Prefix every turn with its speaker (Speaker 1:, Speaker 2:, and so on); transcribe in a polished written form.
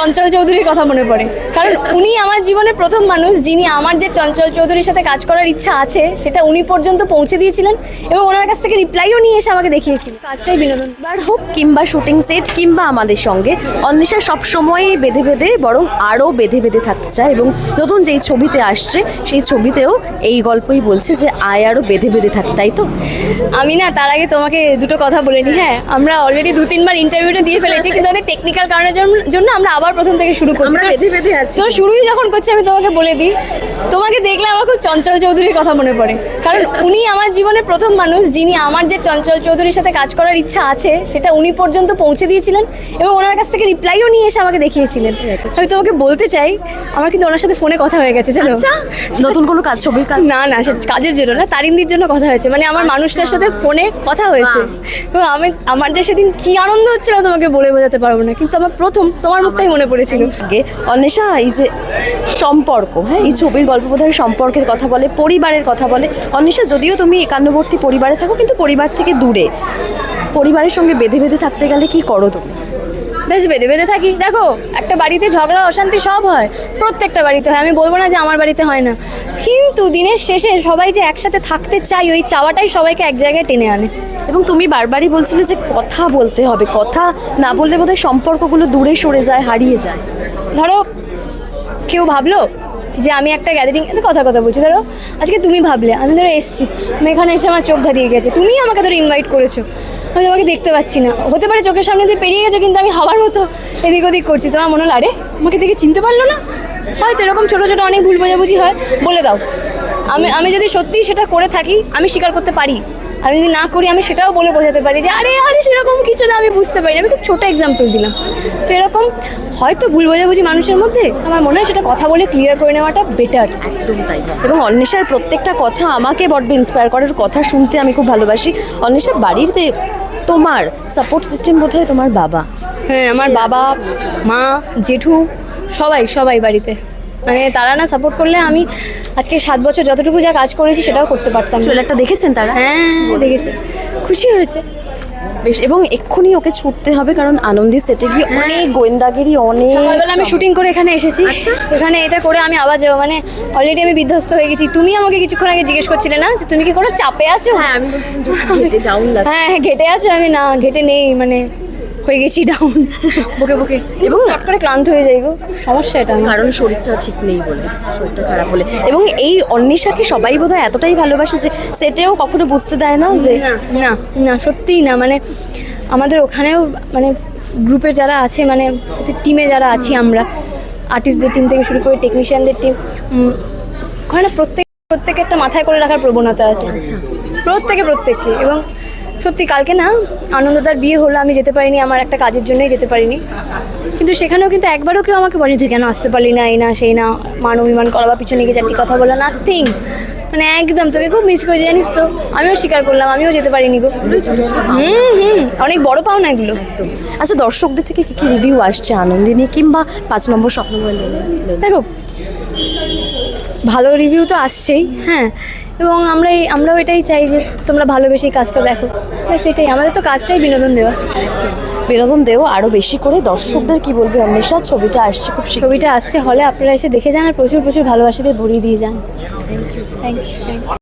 Speaker 1: চঞ্চল চৌধুরীর কথা মনে পড়ে, কারণ উনি আমার জীবনের প্রথম মানুষ যিনি আমার যে চঞ্চল চৌধুরীর সাথে কাজ করার ইচ্ছা আছে সেটা উনি পর্যন্ত পৌঁছে দিয়েছিলেন এবং ওনার কাছ থেকে রিপ্লাইও নিয়ে এসে আমাকে দেখিয়েছিল। কাজটাই বিনোদন।
Speaker 2: বার হোক কিংবা শুটিং সেট কিংবা আমাদের সঙ্গে অন্বেষা সবসময় বেঁধে বেঁধে বরং আরও বেঁধে বেঁধে থাকতে চায় এবং নতুন যেই ছবিতে আসছে সেই ছবিতেও এই গল্পই বলছে যে আয় আরও বেঁধে বেঁধে থাকে, তাই তো?
Speaker 1: আমি না তার আগে তোমাকে দুটো কথা বলে নিই। হ্যাঁ, আমরা অলরেডি 2-3 বার ইন্টারভিউটা দিয়ে ফেলেছি, কিন্তু অনেক টেকনিক্যাল কারণের জন্য আমরা আবার প্রথম থেকে শুরু করছি।
Speaker 2: আমরা বেঁধে বেঁধে আছি।
Speaker 1: তো শুরুই যখন করছি আমি তোমাকে বলে দিই, তোমাকে দেখলে আমার খুব চঞ্চল চৌধুরীর কথা মনে পড়ে, কারণ উনি আমার জীবনের প্রথম মানুষ যিনি আমার যে চঞ্চল চৌধুরীর সাথে কাজ করার ইচ্ছা আছে সেটা উনি পর্যন্ত পৌঁছে দিয়েছিলেন এবং ওনার কাছ থেকে রিপ্লাইও নিয়ে এসে আমাকে দেখিয়েছিলেন। আমি তোমাকে বলতে চাই আমার কিন্তু ওনার সাথে ফোনে কথা হয়ে গেছে, জানো?
Speaker 2: নতুন কোনো কাজ, ছবির কাজ?
Speaker 1: না না, সে কাজের জন্য না, তারিন্দির জন্য কথা হয়েছে, মানে আমার মানুষটার সাথে ফোনে কথা হয়েছে। এবং আমার যে সেদিন কি আনন্দ হচ্ছিল তোমাকে বলে বোঝাতে পারবো না, কিন্তু আমার প্রথম তোমার মুখটাই মনে পড়েছিল।
Speaker 2: অন্বেষা, এই যে সম্পর্ক, হ্যাঁ, এই ছবির গল্প বোধহয় সম্পর্কের কথা বলে, পরিবারের কথা বলে। অন্বেষা, যদিও তুমি একান্নবর্তী পরিবারে থাকো কিন্তু পরিবার থেকে দূরে, পরিবারের সঙ্গে বেঁধে বেঁধে থাকতে গেলে কি করো তুমি?
Speaker 1: বেশ বেঁধে বেঁধে থাকি। দেখো, একটা বাড়িতে ঝগড়া অশান্তি সব হয়, প্রত্যেকটা বাড়িতে হয়, আমি বলবো না যে আমার বাড়িতে হয় না, কিন্তু দিনের শেষে সবাই যে একসাথে থাকতে চাই ওই চাওয়াটাই সবাইকে এক জায়গায় টেনে আনে।
Speaker 2: এবং তুমি বারবারই বলছিলে যে কথা বলতে হবে, কথা না বললে বোধহয় সম্পর্কগুলো দূরে সরে যায়, হারিয়ে যায়।
Speaker 1: ধরো কেউ ভাবলো যে আমি একটা গ্যাদারিং কথা বলছি, ধরো আজকে তুমি ভাবলে, আমি ধরো এসছি, আমি এখানে এসে আমার চোখ ধাঁধিয়ে গেছে, তুমি আমাকে ধরো ইনভাইট করেছো, আমি তোমাকে দেখতে পাচ্ছি না, হতে পারে চোখের সামনে দিয়ে পেরিয়ে গেছো, কিন্তু আমি হওয়ার মতো এদিক ওদিক করছি, তোমার মনে হলো আরে আমাকে দেখে চিনতে পারলো না। হয়তো এরকম ছোটো ছোটো অনেক ভুল বোঝাবুঝি হয়, বলে দাও। আমি যদি সত্যিই সেটা করে থাকি আমি স্বীকার করতে পারি, আমি যদি না করি আমি সেটাও বলে বোঝাতে পারি যে আরে আরে সেরকম কিছু না, আমি বুঝতে পারি না। আমি খুব ছোটো এক্সাম্পল দিলাম। তো এরকম হয়তো ভুল বোঝাবুঝি মানুষের মধ্যে, আমার মনে হয় সেটা কথা বলে ক্লিয়ার করে নেওয়াটা বেটার।
Speaker 2: একদম তাই। এবং অন্বেষার প্রত্যেকটা কথা আমাকে বড্ড ইন্সপায়ার করে, কথা শুনতে আমি খুব ভালোবাসি। অন্বেষা, বাড়িতে তোমার সাপোর্ট সিস্টেম বোধহয় তোমার বাবা?
Speaker 1: হ্যাঁ, আমার বাবা, মা, জেঠু, সবাই বাড়িতে, মানে তারা না সাপোর্ট করলে আমি আজকে 7 বছর যতটুকু যা কাজ করেছি সেটাও করতে পারতাম।
Speaker 2: ট্রেলারটা দেখেছেন তারা?
Speaker 1: হ্যাঁ দেখেছে, খুশি হয়েছে
Speaker 2: বেশ। এবং এক্ষুনি ওকে ছুটতে হবে, কারণ আনন্দী সেটে গিয়ে অনেক গোয়েন্দাগিরি, অনেক
Speaker 1: সকালবেলা আমি শুটিং করে এখানে এসেছি। এখানে এটা করে আমি আবার যাবো, মানে অলরেডি আমি বিধ্বস্ত হয়ে গেছি। তুমি আমাকে কিছুক্ষণ আগে জিজ্ঞেস করছিলে না যে তুমি কি কোনো চাপে আছো?
Speaker 2: হ্যাঁ, আমি বলছি ডাউন লাগছে।
Speaker 1: হ্যাঁ, ঘেটে আছো? আমি না, ঘেটে নেই, মানে হয়ে গেছি ডাউন, বুকে এবং চট করে ক্লান্ত হয়ে যাই গো, খুব সমস্যা এটা,
Speaker 2: কারণ শরীরটা ঠিক নেই বলে, শরীরটা খারাপ বলে। এবং এই অন্বেষাকে সবাই বোধহয় এতটাই ভালোবাসে যে সেটেও কখনো বুঝতে দেয় না যে
Speaker 1: না না সত্যিই না, মানে আমাদের ওখানেও মানে গ্রুপে যারা আছে, মানে টিমে যারা আছি আমরা, আর্টিস্টদের টিম থেকে শুরু করে টেকনিশিয়ানদের টিম, ওখানে প্রত্যেকে একটা মাথায় করে রাখার প্রবণতা আছে, প্রত্যেককে। এবং সত্যি কালকে না আনন্দদার বিয়ে হলো, আমি যেতে পারিনি, আমার একটা কাজের জন্যই যেতে পারিনি, কিন্তু সেখানেও কিন্তু একবারও কেউ আমাকে বলেনি তুই কেন আসতে পারলি না, এই না সেই না, মান অভিমান করা বা পিছনে গিয়ে 4টি কথা বলা, নাথিং। মানে একদম তোকে খুব মিস করেছি জানিস তো, আমিও স্বীকার করলাম, আমিও যেতে পারিনি গো। অনেক বড় পাওনা এগুলো।
Speaker 2: আচ্ছা, দর্শকদের থেকে কি রিভিউ আসছে আনন্দিনী কিংবা 5 নম্বর স্বপ্নময়?
Speaker 1: দেখো, ভালো রিভিউ তো আসছেই, হ্যাঁ, এবং আমরাও এটাই চাই যে তোমরা ভালোবেসে কাজটা দেখো, সেটাই আমাদের তো কাজটাই বিনোদন দেও আরও বেশি করে। দর্শকদের কি বলবে অন্বেষা? ছবিটা আসছে হলে, আপনারা এসে দেখে যান আর প্রচুর ভালোবাসাদের ভরিয়ে দিয়ে যান। Thank you.